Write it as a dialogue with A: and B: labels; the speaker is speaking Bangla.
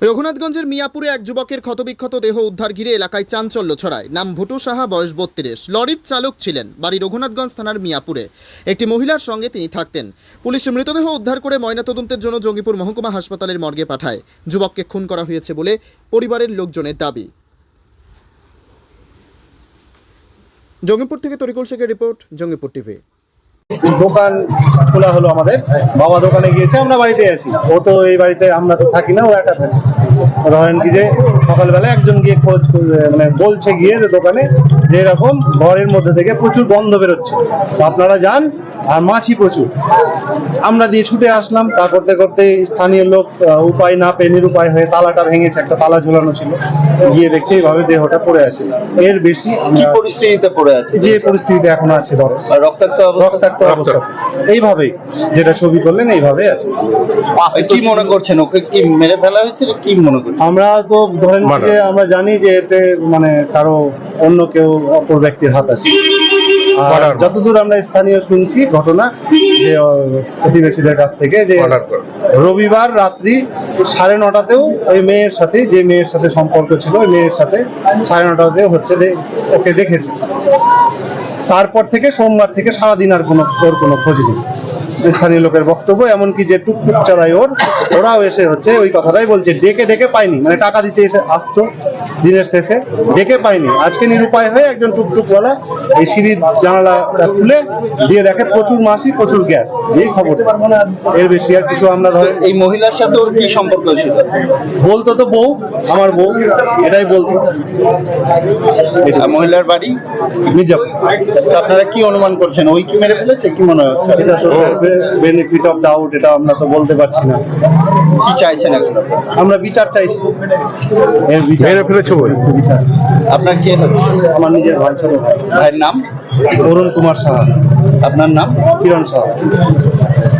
A: রঘুনাথগঞ্জের মিয়াপুরে এক যুবকের ক্ষতবিক্ষত দেহ উদ্ধার ঘিরে এলাকায় চাঞ্চল্য ছড়ায়। নাম ভুটু সাহা, বয়স 32। লরির চালক ছিলেন। বাড়ি রঘুনাথগঞ্জ থানার মিয়াপুরে। একটি মহিলার সঙ্গে তিনি থাকতেন। পুলিশ মৃতদেহ উদ্ধার করে ময়নাতদন্তের জন্য জঙ্গিপুর মহকুমা হাসপাতালের মর্গে পাঠায়। যুবককে খুন করা হয়েছে বলে পরিবারের লোকজনের দাবি। জঙ্গিপুর থেকে তরিকুল শেখের রিপোর্ট, জঙ্গিপুর টিভি।
B: দোকান খোলা হলো আমাদের, বাবা দোকানে গিয়েছে, আমরা বাড়িতে আছি। ও তো এই বাড়িতে, আমরা তো থাকি না, ও একা থাকে। ধরেন কি যে সকালবেলা একজন গিয়ে খোঁজ মানে বলছে গিয়ে যে দোকানে যে এরকম ঘরের মধ্যে থেকে প্রচুর গন্ধ বেরোচ্ছে, তো আপনারা যান, আর মাছি প্রচুর। আমরা দিয়ে ছুটে আসলাম। তা করতে করতে স্থানীয় লোক উপায় না পেয়ে নিরুপায় হয়ে তালাটা ভেঙেছে, একটা তালা ঝোলানো ছিল, গিয়ে দেখছে এইভাবে দেহটা পড়ে আছে। এর বেশি
C: কি পরিস্থিতিতে পড়ে আছে?
B: যে পরিস্থিতিতে এখন আছে, ধরো
C: রক্তাক্ত
B: অবস্থা এইভাবেই, যেটা ছবি করলেন এইভাবে আছে।
C: কি মনে করছেন, ওকে কি মেরে ফেলা হয়েছে? কি মনে করছেন?
B: আমরা তো ধরেন যে আমরা জানি যে এতে মানে কারো অন্য কেউ অপর ব্যক্তির হাত আছে। আর যতদূর আমরা স্থানীয় শুনছি ঘটনা, যে প্রতিবেশীদের কাছ থেকে, যে রবিবার রাত্রি 9:30তেও ওই মেয়ের সাথে, যে মেয়ের সাথে সম্পর্ক ছিল, ওই মেয়ের সাথে 9:30তেও হচ্ছে ওকে দেখেছে। তারপর থেকে সোমবার থেকে সারাদিন আর ওর কোনো খোঁজ নেই। স্থানীয় লোকের বক্তব্য, এমনকি যে টুকটুক চড়াই ওরাও এসে হচ্ছে ওই কথাটাই বলছে, ডেকে ডেকে পাইনি, মানে টাকা দিতে এসে আসতো দিনের শেষে, ডেকে পাইনি। আজকে নিরুপায় হয়ে একজন টুকটুকওয়ালা এই সিঁড়ির জানালাটা খুলে দিয়ে দেখে প্রচুর মাছি, প্রচুর গ্যাস, এই খবর। এর বেশি আর কিছু আমরা ধরেন।
C: এই মহিলার সাথে ওর কি সম্পর্ক ছিল?
B: বলতো তো বউ, আমার বউ, এটাই বলতো।
C: মহিলার বাড়ি
B: মির্জাপুর।
C: তো আপনারা কি অনুমান করছেন, ওই কি মেরে ফেলেছে? কি মনে হচ্ছে?
B: এটা তো বেনিফিট অফ ডাউট, এটা আমরা তো বলতে পারছি না।
C: কি চাইছেন এখন?
B: আমরা বিচার চাইছি। এর বিচার বিচার।
C: আপনার কে হচ্ছে?
B: আমার নিজের ভাই, ছোট ভাই।
C: ভাইয়ের নাম?
B: অরুণ কুমার সাহা।
C: আপনার নাম?
B: কিরণ সাহা।